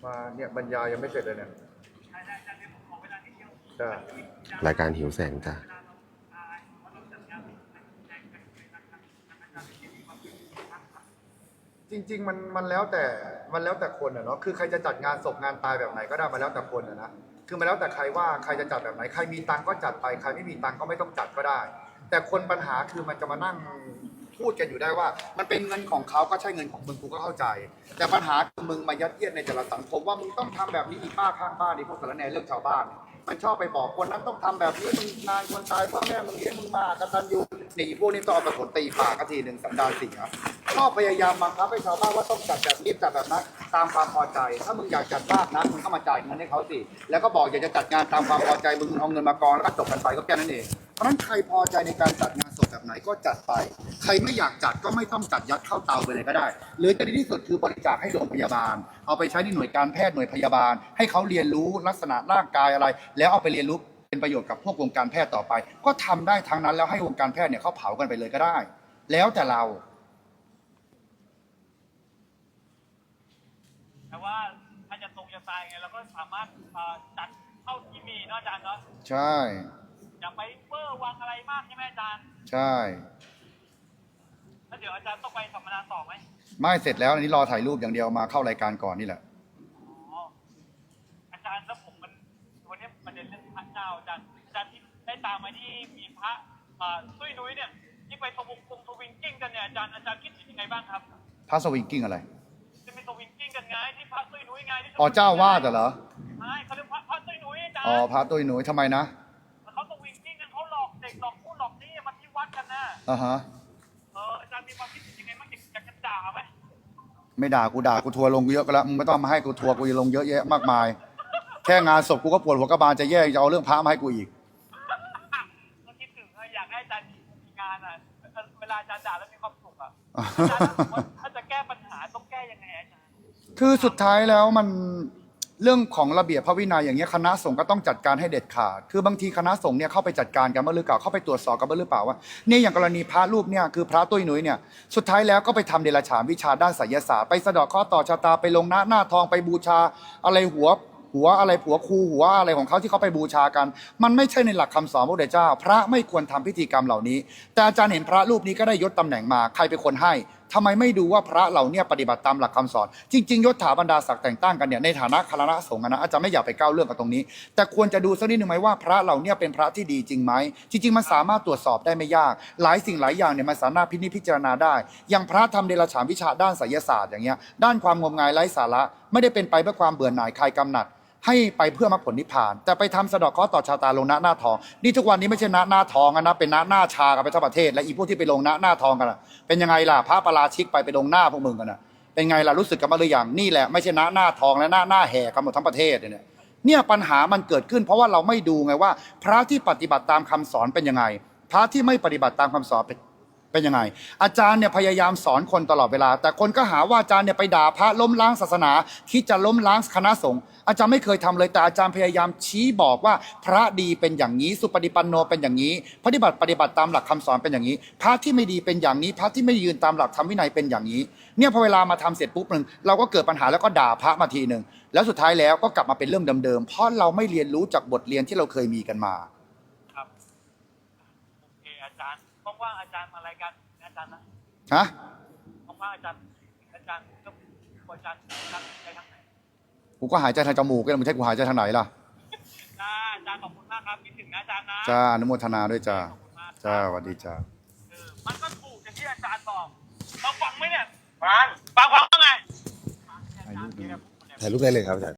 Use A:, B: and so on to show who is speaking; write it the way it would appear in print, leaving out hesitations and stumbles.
A: มาเนี่ยบรรยายยังไม่เสร็จเลยเนี่ยจ้
B: รายการหิวแสงจ้ะ
A: จริงๆมันแล้วแต่คนอะเนาะคือใครจะจัดงานศพงานตายแบบไหนก็ได้มาแล้วแต่คนอะนะคือมาแล้วแต่ใครว่าใครจะจัดแบบไหนใครมีตังก็จัดไปใครไม่มีตังก็ไม่ต้องจัดก็ได้แต่คนปัญหาคือมันจะมานั่งพูดกันอยู่ได้ว่ามันเป็นเงินของเขาก็ใช่เงินของมึงกูก็เข้าใจแต่ปัญหาคือมึงมายัดเยียดในแต่ละสังคมว่ามึงต้องทำแบบนี้อีป้าข้างบ้านนี่พวกสารแหน่เรื่องชาวบ้านมันชอบไปบอกคนนั้นต้องทำแบบนี้มึงนายคนตายพ่อแม่มึงเลี้ยงมึงมากตัญญูนี่พวกนี้ต้องเอากระสุนตีปากกทีหนึ่งสันดานเสียชอบพยายามบังคับให้ชาวบ้านว่าต้องจัดแบบนี้จัดแบบนั้นตามความพอใจถ้ามึงอยากจัดมากนะมึงก็มาจ่ายเงินให้เขาสิแล้วก็บอกอยากจะจัดงานตามความพอใจมึงเอาเงินมากองแล้วก็จบกันไปก็แค่นั้นเองเพราะฉะนั้นใครพอใจในการจัดงานศพแบบไหนก็จัดไปใครไม่อยากจัดก็ไม่ต้องจัดยัดเข้าเตาไปเลยก็ได้หรือจะดีที่สุดคือบริจาคให้โรงพยาบาลเอาไปใช้ในหน่วยการแพทย์หน่วยพยาบาลให้เขาเรียนรู้ลักษณะร่างกายอะไรแล้วเอาไปเรียนรู้เป็นประโยชน์กับพวกวงการแพทย์ต่อไปก็ทำได้ทั้งนั้นแล้วให้วงการแพทย์เนี่ยเขาเผากันไปเลยก็ได้แล้วแต่เรา
C: แต่ว่าถ้าจะตรงจะตายไงเราก็สามารถจัดเท่าที่มีเนาะอาจารย์เนาะ
A: ใช่
C: อย่าไปเวอร์วังอะไรมากใช่ไหมอาจารย์
A: ใช่
C: แล้วเดี๋ยวอาจารย์ต้องไปสัมมนาต่อไหม
A: ไม่เสร็จแล้วอันนี้รอถ่ายรูปอย่างเดียวมาเข้ารายการก่อนนี่แหละ
C: อ๋ออาจารย์แล้วผมวันนี้ประเด็นเรื่องพระเจ้าอาจารย์ที่ได้ตามมาที่มีพระตุ้ยนุ้ยเนี่ยที่ไปสวิงกิ้งกันเนี่ยอาจารย์คิดยังไงบ้างครับ
A: พระสวิงกิ้งอะไร
C: จะมีสวิงกิ้งกันไงที่พระตุ้ยนุ้ยไงที่
A: อ๋อเจ้าวาดเหรอ
C: ใช่เขาเรียกพระตุ้ยนุ้ยอาจารย์
A: อ๋อพระตุ้ยนุ้ยทำไมนะ
C: เขาสวิงกิ้งกันเขาหลอกเด็กหลอกผู้หลอกนี่มาที่วัดกันนะ
A: ฮะ
C: อาจารย์มีความคิดยังไงบ้างอยากจะด่าไหม
A: ไม่ด่ากูทัวร์ลงเยอะก็แล้วมึงไม่ต้องมาให้กูทัวร์กูจะลงเยอะแยะมากมายแค่งานศพกูก็ปวดหัวกระบาลจะแย่จะเอาเรื่องพระมาให้กูอีก
C: ก็คิดถึงอยากให้อาจารย์มีงานอ่ะเวลาอาจารย์ด่าแล้วมีความสุขอ่ะอาจารย์ถ้าจะแก้ปัญหาต้องแก้ยังไงอาจารย์
A: คือสุดท้ายแล้วมันเรื่องของระเบียบพระวินัยอย่างเงี้ยคณะสงฆ์ก็ต้องจัดการให้เด็ดขาดคือบางทีคณะสงฆ์เนี่ยเข้าไปจัดการกันบ้างหรือเปล่าเข้าไปตรวจสอบกันบ้างหรือเปล่าว่าเนี่ยอย่างกรณีพระรูปเนี่ยคือพระตุ้ยหนุ่ยเนี่ยสุดท้ายแล้วก็ไปทำเดรัจฉานวิชาด้านไสยศาสตร์ไปสะเดาะเคราะห์ต่อชะตาไปลงหน้าทองไปบูชาอะไรหัวอะไรผัวครูหัวอะไรของเขาที่เขาไปบูชากันมันไม่ใช่ในหลักคำสอนพระพุทธเจ้าพระไม่ควรทำพิธีกรรมเหล่านี้แต่อาจารย์เห็นพระรูปนี้ก็ได้ยศตำแหน่งมาใครเป็นคนให้ทำไมไม่ดูว่าพระเหล่านี้ปฏิบัติตามหลักคำสอนจริงๆยศถาบรรดาศักดิ์แต่งตั้งกันเนี่ยในฐานะคณะสงฆ์นะอาจารย์ไม่อยากไปก้าวเรื่องกับตรงนี้แต่ควรจะดูสักนิดนึงไหมว่าพระเหล่านี้เป็นพระที่ดีจริงไหมจริงๆมันสามารถตรวจสอบได้ไม่ยากหลายสิ่งหลายอย่างเนี่ยมันสามารถพิจารณาได้อย่างพระทำเดรัจฉานวิชาด้านไสยศาสตร์อย่างเงี้ยด้านความงมงายไร้สาระไม่ได้เป็นไปเพื่อความเบื่อหน่ายคลายกำหนัดให้ไปเพื่อมรรคผลนิพพานแต่ไปทำสะเดาะเคราะห์ต่อชะตาลงหน้าทองนี่ทุกวันนี้ไม่ใช่หน้าทองนะเป็นหน้าชากันไปทั้งประเทศและอีพวกที่ไปลงหน้าทองกันเป็นยังไงล่ะพระปราชิกไปลงหน้าพวกมึงกันเป็นไงล่ะรู้สึกกันมาหรือยังนี่แหละไม่ใช่หน้าทองและหน้าแห่กันหมดทั้งประเทศเนี่ยปัญหามันเกิดขึ้นเพราะว่าเราไม่ดูไงว่าพระที่ปฏิบัติตามคำสอนเป็นยังไงพระที่ไม่ปฏิบัติตามคำสอนเป็นยังไงอาจารย์เนี่ยพยายามสอนคนตลอดเวลาแต่คนก็หาว่าอาจารย์เนี่ยไปด่าพระล้มล้างศาสนาคิดจะล้มล้างคณะสงฆ์อาจารย์ไม่เคยทำเลยแต่อาจารย์พยายามชี้บอกว่าพระดีเป็นอย่างนี้สุปฏิปันโนเป็นอย่างนี้ปฏิบัติตามหลักคำสอนเป็นอย่างนี้พระที่ไม่ดีเป็นอย่างนี้พระที่ไม่ยืนตามหลักธรรมวินัยเป็นอย่างนี้เนี่ยพอเวลามาทำเสร็จปุ๊บนึงเราก็เกิดปัญหาแล้วก็ด่าพระมาทีนึงแล้วสุดท้ายแล้วก็กลับมาเป็นเรื่องเดิมๆเพราะเราไม่เรียนรู้จากบทเรียนที่เราเคยมีกันมา
C: ครับโอเคอาจารย์ว่างๆอาจารย์มารายการอาจารย์นะ
A: ฮะ
C: ว่างๆอาจารย์ก็อาจารย์ใจทางไหน
A: กูก็หายใจทางจมูกกันไม่ใช่กูหายใจทางไหนล่ะ
C: อาจารย์ขอบคุณมากครับคิดถึงนะอาจารย์นะ
A: จ้าอนุโมทนาด้วยจ้าจ้าสวัสดีจ้า
C: มันก็ถูกอย่างที่อาจารย์บอกเราฟังไหมเนี่ยฟังว่าไง
B: ถ่ายรูปได้เลยครับอาจารย์